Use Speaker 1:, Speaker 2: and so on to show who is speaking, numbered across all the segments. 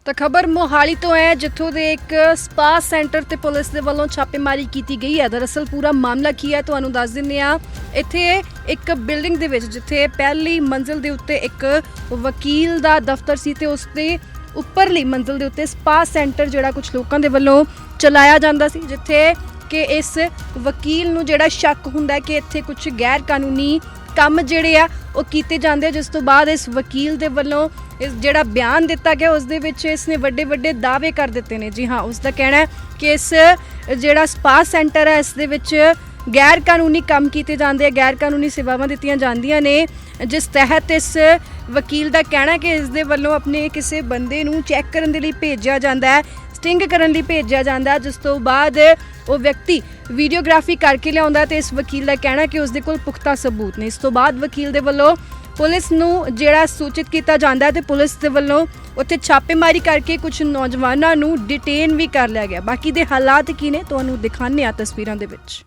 Speaker 1: ਤਾਂ ਖਬਰ ਮੋਹਾਲੀ ਤੋਂ ਹੈ ਜਿੱਥੋਂ ਦੇ ਇੱਕ ਸਪਾ ਸੈਂਟਰ ਤੇ ਪੁਲਿਸ ਦੇ ਵੱਲੋਂ ਛਾਪੇਮਾਰੀ ਕੀਤੀ ਗਈ ਹੈ। ਦਰਅਸਲ ਪੂਰਾ ਮਾਮਲਾ ਕੀ ਹੈ ਤੁਹਾਨੂੰ ਦੱਸ ਦਿੰਦੇ ਆ। ਇੱਥੇ ਇੱਕ ਬਿਲਡਿੰਗ ਦੇ ਵਿੱਚ ਜਿੱਥੇ ਪਹਿਲੀ ਮੰਜ਼ਿਲ ਦੇ ਉੱਤੇ ਇੱਕ ਵਕੀਲ ਦਾ ਦਫ਼ਤਰ ਸੀ ਤੇ ਉਸ ਦੇ ਉੱਪਰਲੀ ਮੰਜ਼ਿਲ ਦੇ ਉੱਤੇ ਸਪਾ ਸੈਂਟਰ ਜਿਹੜਾ ਕੁਝ ਲੋਕਾਂ ਦੇ ਵੱਲੋਂ ਚਲਾਇਆ ਜਾਂਦਾ ਸੀ, ਜਿੱਥੇ ਕਿ ਇਸ ਵਕੀਲ ਨੂੰ ਜਿਹੜਾ ਸ਼ੱਕ ਹੁੰਦਾ ਕਿ ਇੱਥੇ ਕੁਝ ਗੈਰ ਕਾਨੂੰਨੀ ਕੰਮ ਜਿਹੜੇ ਆ ਉਹ ਕੀਤੇ ਜਾਂਦੇ, ਜਿਸ ਤੋਂ ਬਾਅਦ ਇਸ ਵਕੀਲ ਦੇ ਵੱਲੋਂ ਇਸ ਜਿਹੜਾ ਬਿਆਨ ਦਿੱਤਾ ਗਿਆ ਉਸ ਦੇ ਵਿੱਚ ਇਸਨੇ ਵੱਡੇ ਦਾਅਵੇ ਕਰ ਦਿੱਤੇ ਨੇ। ਜੀ ਹਾਂ, ਉਸ ਦਾ ਕਹਿਣਾ ਹੈ ਕਿ ਇਸ ਜਿਹੜਾ ਸਪਾ ਸੈਂਟਰ ਹੈ ਇਸ ਦੇ ਵਿੱਚ ਗੈਰ ਕਾਨੂੰਨੀ ਕੰਮ ਕੀਤੇ ਜਾਂਦੇ ਆ, ਗੈਰ ਕਾਨੂੰਨੀ ਸੇਵਾਵਾਂ ਦਿੱਤੀਆਂ ਜਾਂਦੀਆਂ ਨੇ, ਜਿਸ ਤਹਿਤ ਇਸ ਵਕੀਲ ਦਾ ਕਹਿਣਾ ਹੈ ਕਿ ਇਸ ਦੇ ਵੱਲੋਂ ਆਪਣੇ ਕਿਸੇ ਬੰਦੇ ਨੂੰ ਚੈੱਕ ਕਰਨ ਦੇ ਲਈ ਭੇਜਿਆ ਜਾਂਦਾ ਹੈ, ਸਟਿੰਗ ਕਰਨ ਲਈ ਭੇਜਿਆ ਜਾਂਦਾ, ਜਿਸ ਤੋਂ ਬਾਅਦ ਉਹ ਵਿਅਕਤੀ ਵੀਡੀਓਗ੍ਰਾਫੀ ਕਰਕੇ ਲਿਆਉਂਦਾ ਤੇ ਇਸ ਵਕੀਲ ਦਾ ਕਹਿਣਾ ਕਿ ਉਸ ਦੇ ਕੋਲ ਪੁਖਤਾ ਸਬੂਤ ਨੇ। ਇਸ ਤੋਂ ਬਾਅਦ ਵਕੀਲ ਦੇ ਵੱਲੋਂ ਪੁਲਿਸ ਨੂੰ ਜਿਹੜਾ ਸੂਚਿਤ ਕੀਤਾ ਜਾਂਦਾ ਤੇ ਪੁਲਿਸ ਦੇ ਵੱਲੋਂ ਉੱਥੇ ਛਾਪੇਮਾਰੀ ਕਰਕੇ ਕੁਝ ਨੌਜਵਾਨਾਂ ਨੂੰ ਡਿਟੇਨ ਵੀ ਕਰ ਲਿਆ ਗਿਆ। ਬਾਕੀ ਦੇ ਹਾਲਾਤ ਕੀ ਨੇ ਤੁਹਾਨੂੰ ਦਿਖਾਉਂਦੇ ਆ ਤਸਵੀਰਾਂ ਦੇ ਵਿੱਚ।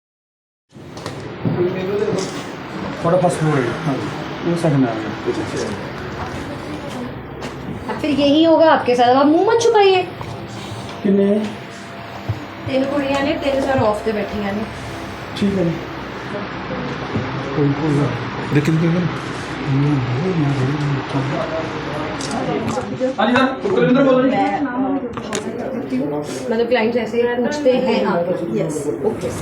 Speaker 2: फिर यही होगा आपके साथ। आप मुंह मत छुपाइए।
Speaker 3: किन्ने
Speaker 2: 3 कुड़ियां ने 3 सर ऑफ ते बैठियां ने।
Speaker 3: ठीक है कोई
Speaker 4: लेकिन
Speaker 2: मतलब क्लाइंट्स ऐसे पूछते हैं आपको। यस ओके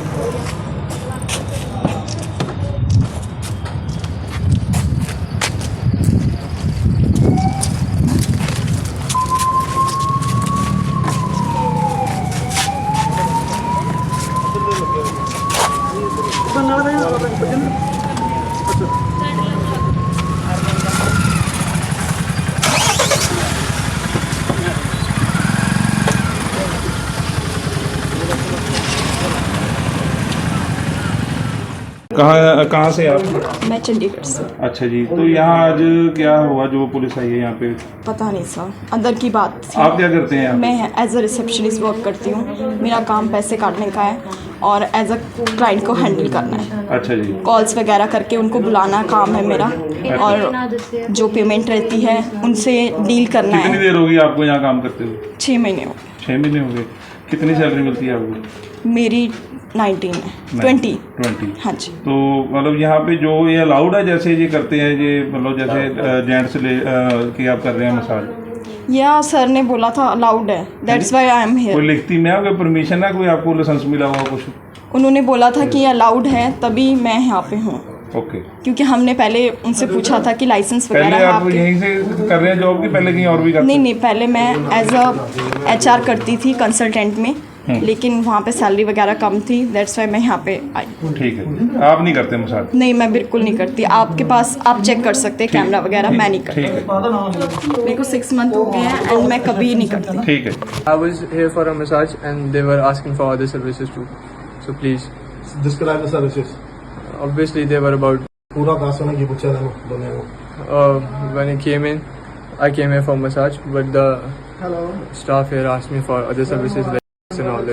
Speaker 4: कहाँ से आप?
Speaker 5: मैं चंडीगढ़ से।
Speaker 4: अच्छा जी, तो यहाँ आज क्या हुआ जो पुलिस आई है यहाँ पे?
Speaker 5: पता नहीं सर, अंदर की बात थी।
Speaker 4: आप क्या करते हैं यहाँ?
Speaker 5: मैं एज अ रिसेप्शनिस्ट वर्क करती हूँ। मेरा काम पैसे काटने का है और एज अ क्लाइंट को हैंडल करना है।
Speaker 4: अच्छा जी,
Speaker 5: कॉल्स वगैरह करके उनको बुलाना काम है मेरा, और जो पेमेंट रहती है उनसे डील करना
Speaker 4: कितनी
Speaker 5: है।
Speaker 4: देर होगी आपको यहाँ काम करते हुए?
Speaker 5: 6 महीने हो
Speaker 4: 6 महीने हो गए। कितनी सैलरी मिलती है आपको?
Speaker 5: मेरी 19 है 20। हाँ जी।
Speaker 4: तो मतलब यहाँ पे जो ये अलाउड है जैसे ये करते हैं ये मतलब जैसे जेंट्स की आप कर रहे हैं मसाज?
Speaker 5: या सर ने बोला था अलाउड है, दैट्स व्हाई आई एम
Speaker 4: कोई
Speaker 5: हियर।
Speaker 4: लिखती में कोई परमिशन है, कोई आपको लाइसेंस मिला हुआ कुछ?
Speaker 5: उन्होंने बोला था कि अलाउड है, तभी मैं यहाँ पे हूँ।
Speaker 4: ओके,
Speaker 5: क्योंकि हमने पहले उनसे पूछा था कि लाइसेंस
Speaker 4: पहले
Speaker 5: वगैरह है
Speaker 4: आप
Speaker 5: आपके।
Speaker 4: यहीं से कर रहे हैं जॉब की पहले कहीं और भी करते?
Speaker 5: नहीं, पहले मैं एज अ HR करती थी कंसल्टेंट में, लेकिन वहाँ पे सैलरी वगैरह कम थी, दैट्स वाई मैं यहाँ पे आई।
Speaker 4: ठीक है, आप नहीं करते मसाज?
Speaker 5: नहीं, मैं बिल्कुल नहीं करती। आपके पास आप चेक कर सकते हैं कैमरा वगैरह, मैं नहीं करती।
Speaker 4: ठीक है,
Speaker 5: मेरे को 6 मंथ हो गए हैं एंड मैं कभी नहीं करती।
Speaker 4: ठीक है।
Speaker 6: I was here for a massage and they were asking for other services too. So please,
Speaker 3: describe the services.
Speaker 6: obviously they were about
Speaker 3: पूरा दास होने की पूछा था दोनों को।
Speaker 6: when I came in, I came here for massage, but the staff here asked me for other services like this and all.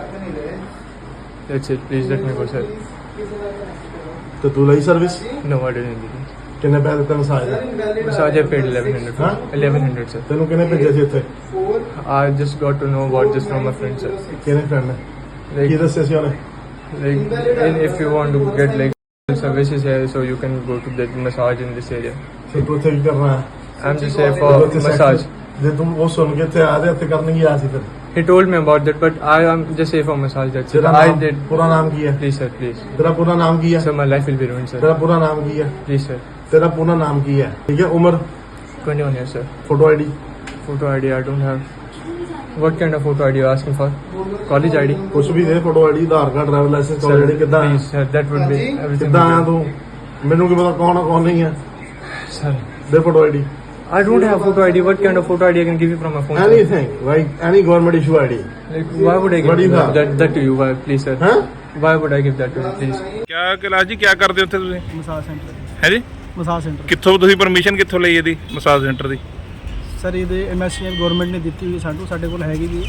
Speaker 6: That's it. Please let me go, sir.
Speaker 3: तो तू लई service
Speaker 6: No, I didn't need it.
Speaker 3: किन्ने पैसे ਦਿੱਤੇ massage ਦੇ?
Speaker 6: Massage I paid 1100.
Speaker 3: Huh?
Speaker 6: 1100, sir.
Speaker 3: ਤੈਨੂੰ ਕਿਹਨੇ ਭੇਜਿਆ ਸੀ ਇੱਥੇ?
Speaker 6: I just got to know about this from my friend, sir.
Speaker 3: ਕਿਹਨੇ ਫਰੈਂਡ ਨੇ? ਕੀ
Speaker 6: Like,
Speaker 3: ਦੱਸਿਆ ਸੀ ਉਹਨੇ?
Speaker 6: and if you want to get like services here, so you can go to that massage in this area.
Speaker 3: ਤੇ ਤੂੰ ਇੱਥੇ ਕੀ ਕਰਨਾ ਹੈ?
Speaker 6: I'm just here
Speaker 3: ਤੂੰ
Speaker 6: for
Speaker 3: ਇੱਥੇ
Speaker 6: massage.
Speaker 3: ਜੇ ਤੂੰ ਉਹ ਸੁਣ ਕੇ ਇੱਥੇ ਆ ਜਾ ਇੱਥੇ ਕਰਨ ਕੀ ਆਇਆ ਸੀ ਫਿਰ?
Speaker 6: He told me about that, but I am just here for massage. That's it.
Speaker 3: ਤੇਰਾ
Speaker 6: I
Speaker 3: ਨਾਮ
Speaker 6: did.
Speaker 3: ਪੂਰਾ ਨਾਮ ਕੀ ਹੈ?
Speaker 6: Please, sir, please.
Speaker 3: ਤੇਰਾ ਪੂਰਾ ਨਾਮ ਕੀ ਹੈ?
Speaker 6: Sir, my life will be ruined, sir.
Speaker 3: ਤੇਰਾ ਪੂਰਾ ਨਾਮ ਕੀ ਹੈ?
Speaker 6: Please, sir.
Speaker 3: ਤੇਰਾ ਪੂਰਾ ਨਾਮ ਕੀ ਹੈ? ਠੀਕ ਹੈ, ਉਮਰ,
Speaker 6: 21 years, sir.
Speaker 3: Photo ID,
Speaker 6: Photo ID, I don't have. What kind of photo ID you asking for? College ID?
Speaker 3: ਕੁਛ ਵੀ ਦੇ, photo ID, Aadhaar card, driver licence,
Speaker 6: Sir,
Speaker 3: college ID. ਕਿੱਦਾਂ
Speaker 6: please, sir, that would be everything.
Speaker 3: ਕਿੱਦਾਂ ਆਇਆ
Speaker 6: would
Speaker 3: ਤੂੰ? ਮੈਨੂੰ ਕੀ ਪਤਾ ਕੌਣ ਆ ਕੌਣ ਨਹੀਂ ਹੈ?
Speaker 6: be- Sir,
Speaker 3: ਦੇ photo ID.
Speaker 6: I don't have photo ID. What kind of photo ID I can give you from my phone? Sir?
Speaker 3: Anything, like any government issue ID.
Speaker 6: Like, why would I
Speaker 3: What do
Speaker 6: give
Speaker 3: you have?
Speaker 6: that to you? Why, please, sir?
Speaker 3: ਹੈਂ?
Speaker 6: Why would I give that to you, please?
Speaker 4: क्या कैलाश जी क्या करते हो ਉੱਥੇ ਤੁਸੀਂ?
Speaker 7: Massage centre
Speaker 4: ਹੈ ਜੀ,
Speaker 7: massage centre
Speaker 4: ਕਿੱਥੋਂ ਤੁਸੀਂ ਪਰਮਿਸ਼ਨ ਕਿੱਥੋਂ ਲਈ ਇਹਦੀ ਮਸਾਜ ਸੈਂਟਰ ਦੀ?
Speaker 7: ਸਰ ਇਹਦੇ MSCM ਗਵਰਨਮੈਂਟ ਨੇ ਦਿੱਤੀ ਹੋਈ ਸਾਨੂੰ, ਸਾਡੇ ਕੋਲ ਹੈਗੀ ਵੀ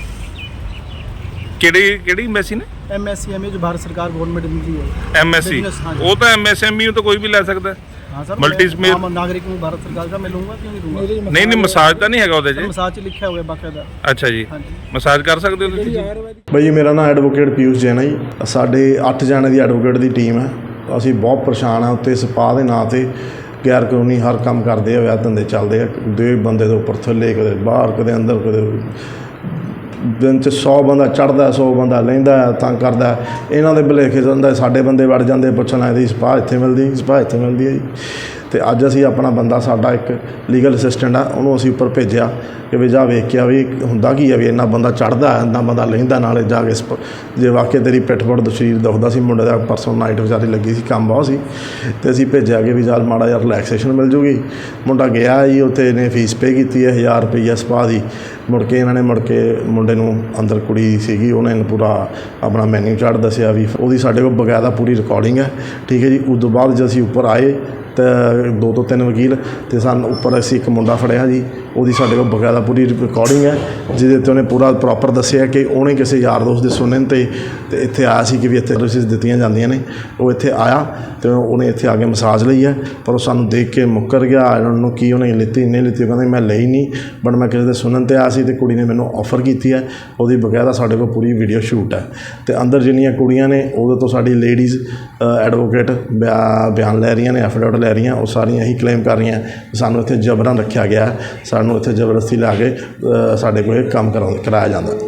Speaker 4: ਕਿਹੜੀ ਐਮਐਸਸੀ ਨੇ?
Speaker 7: MSCM ਜੋ ਭਾਰਤ ਸਰਕਾਰ ਗਵਰਨਮੈਂਟ ਦਿੰਦੀ ਹੈ।
Speaker 4: ਐਮਐਸਸੀ,
Speaker 7: Business, ਹਾਂਜੀ।
Speaker 4: ਉਹ ਤਾਂ ਐਮਐਸਐਮਈ ਤੋਂ ਕੋਈ ਵੀ ਲੈ ਸਕਦਾ।
Speaker 7: हाँ सर
Speaker 8: मल्टी
Speaker 7: मैं आम नागरिक हूँ भारत सरकार का, मैं लूँगा क्यों नहीं दूंगा।
Speaker 8: ਨਹੀਂ ਨਹੀਂ ਮਸਾਜ ਤਾਂ ਨਹੀਂ ਹੈਗਾ ਉਹਦੇ 'ਚ।
Speaker 7: मसाज च लिखा हुआ है बाकायदा।
Speaker 8: ਅੱਛਾ ਜੀ,
Speaker 7: हाँ जी।
Speaker 8: ਮਸਾਜ ਕਰ ਸਕਦੇ ਹੋ ਤੁਸੀਂ?
Speaker 3: ਬਾਈ ਮੇਰਾ ਨਾਮ ਐਡਵੋਕੇਟ ਪਿਊਸ਼ ਜੈਨ ਹੈ ਜੀ। ਸਾਡੇ 8 ਜਣੇ ਦੀ ਐਡਵੋਕੇਟ ਦੀ ਟੀਮ ਹੈ। ਅਸੀਂ ਬਹੁਤ ਪਰੇਸ਼ਾਨ ਹਾਂ ਉੱਤੇ ਸਪਾ ਦੇ ਨਾਂ 'ਤੇ ਗੈਰ ਕਾਨੂੰਨੀ ਹਰ ਕੰਮ ਕਰਦੇ ਆ, ਵਿਆਹ ਧੰਦੇ ਚੱਲਦੇ ਆ, ਦੇ ਬੰਦੇ ਦੇ ਉੱਪਰ ਥੱਲੇ, ਕਦੇ ਬਾਹਰ, ਕਦੇ ਅੰਦਰ, ਕਦੇ ਦਿਨ 'ਚ 100 ਬੰਦਾ ਚੜ੍ਹਦਾ, 100 ਬੰਦਾ ਲੈਂਦਾ, ਤੰਗ ਕਰਦਾ। ਇਹਨਾਂ ਦੇ ਭੁਲੇਖੇ ਜਾਂਦਾ ਸਾਡੇ ਬੰਦੇ ਵੜ ਜਾਂਦੇ, ਪੁੱਛਣਾ ਇਹਦੀ ਸਪਾ ਇੱਥੇ ਮਿਲਦੀ, ਸਪਾ ਇੱਥੇ ਮਿਲਦੀ ਹੈ ਜੀ। ਅਤੇ ਅੱਜ ਅਸੀਂ ਆਪਣਾ ਬੰਦਾ, ਸਾਡਾ ਇੱਕ ਲੀਗਲ ਅਸਿਸਟੈਂਟ ਆ, ਉਹਨੂੰ ਅਸੀਂ ਉੱਪਰ ਭੇਜਿਆ ਕਿ ਵੀ ਜਾ ਵੇਖ ਕੇ ਆ ਵੀ ਹੁੰਦਾ ਕੀ ਆ, ਵੀ ਇੰਨਾ ਬੰਦਾ ਚੜ੍ਹਦਾ, ਇੰਨਾ ਬੰਦਾ ਲੈਂਦਾ, ਨਾਲੇ ਜਾ ਕੇ ਜੇ ਵਾਕਿਆ ਤੇਰੀ ਪਿੱਠ ਪੁੱਠ ਸਰੀਰ ਦੁਖਦਾ ਸੀ। ਮੁੰਡੇ ਦਾ ਪਰਸੋਂ ਨਾਈਟ ਵਿਚਾਰੀ ਲੱਗੀ ਸੀ, ਕੰਮ ਬਹੁਤ ਸੀ, ਅਤੇ ਅਸੀਂ ਭੇਜਿਆ ਕਿ ਵੀ ਚੱਲ ਮਾੜਾ ਜਿਹਾ ਰਿਲੈਕਸੇਸ਼ਨ ਮਿਲ ਜੂਗੀ। ਮੁੰਡਾ ਗਿਆ ਜੀ, ਉੱਥੇ ਇਹਨੇ ਫੀਸ ਪੇ ਕੀਤੀ ਹੈ 1000 ਰੁਪਈਆ ਸਪਾ ਦੀ। ਮੁੜ ਕੇ ਇਹਨਾਂ ਨੇ ਮੁੰਡੇ ਨੂੰ ਅੰਦਰ ਕੁੜੀ ਸੀਗੀ, ਉਹਨੇ ਪੂਰਾ ਆਪਣਾ ਮੈਨਿਊ ਚਾਰਟ ਦੱਸਿਆ ਵੀ ਉਹਦੀ ਸਾਡੇ ਕੋਲ ਬਕਾਇਦਾ ਪੂਰੀ ਰਿਕਾਰਡਿੰਗ ਹੈ, ਠੀਕ ਹੈ ਜੀ। ਉਸ ਤੋਂ ਬਾਅਦ ਜੇ ਅਸੀਂ ਉੱਪਰ ਆਏ ਤਾਂ 2 ਤੋਂ 3 ਵਕੀਲ ਅਤੇ ਸਾਨੂੰ ਉੱਪਰ ਅਸੀਂ ਇੱਕ ਮੁੰਡਾ ਫੜਿਆ ਜੀ, ਉਹਦੀ ਸਾਡੇ ਕੋਲ ਬਕਾਇਦਾ ਪੂਰੀ ਰਿਕਾਰਡਿੰਗ ਹੈ, ਜਿਹਦੇ 'ਤੇ ਉਹਨੇ ਪੂਰਾ ਪ੍ਰੋਪਰ ਦੱਸਿਆ ਕਿ ਉਹਨੇ ਕਿਸੇ ਯਾਰ ਦੋਸਤ ਦੇ ਸੁਣਨ 'ਤੇ ਇੱਥੇ ਆਇਆ ਸੀ ਕਿ ਵੀ ਇੱਥੇ ਸਰਵਿਸਿਜ਼ ਦਿੱਤੀਆਂ ਜਾਂਦੀਆਂ ਨੇ। ਉਹ ਇੱਥੇ ਆਇਆ ਅਤੇ ਉਹਨੇ ਇੱਥੇ ਆ ਕੇ ਮਸਾਜ ਲਈ ਹੈ, ਪਰ ਉਹ ਸਾਨੂੰ ਦੇਖ ਕੇ ਮੁੱਕਰ ਗਿਆ। ਇਹਨਾਂ ਨੂੰ ਕੀ ਉਹਨੇ ਲਿੱਤੀ ਨਹੀਂ ਲਿੱਤੀ, ਉਹ ਕਹਿੰਦਾ ਮੈਂ ਲਈ ਨਹੀਂ, ਬਟ ਮੈਂ ਕਿਸੇ ਦੇ ਸੁਣਨ 'ਤੇ ਆਇਆ ਸੀ ਅਤੇ ਕੁੜੀ ਨੇ ਮੈਨੂੰ ਆਫਰ ਕੀਤੀ ਹੈ। ਉਹਦੀ ਬਕਾਇਦਾ ਸਾਡੇ ਕੋਲ ਪੂਰੀ ਵੀਡੀਓ ਸ਼ੂਟ ਹੈ। ਅਤੇ ਅੰਦਰ ਜਿੰਨੀਆਂ ਕੁੜੀਆਂ ਨੇ ਉਹਦੇ ਤੋਂ ਸਾਡੀ ਲੇਡੀਜ਼ ਐਡਵੋਕੇਟ ਬਿਆਨ ਲੈ ਰਹੀਆਂ ਨੇ, ਐਫੀਡੇਵਿਟ ਲੈ ਰਹੀਆਂ। ਉਹ ਸਾਰੀਆਂ ਇਹੀ ਕਲੇਮ ਕਰ ਰਹੀਆਂ ਕਿ ਸਾਨੂੰ ਇੱਥੇ ਜਬਰਨ ਰੱਖਿਆ ਗਿਆ, ਸਾਨੂੰ ਇੱਥੇ ਜ਼ਬਰਦਸਤੀ ਲਾ ਕੇ ਸਾਡੇ ਕੋਲ ਇਹ ਕੰਮ ਕਰਾਇਆ ਜਾਂਦਾ।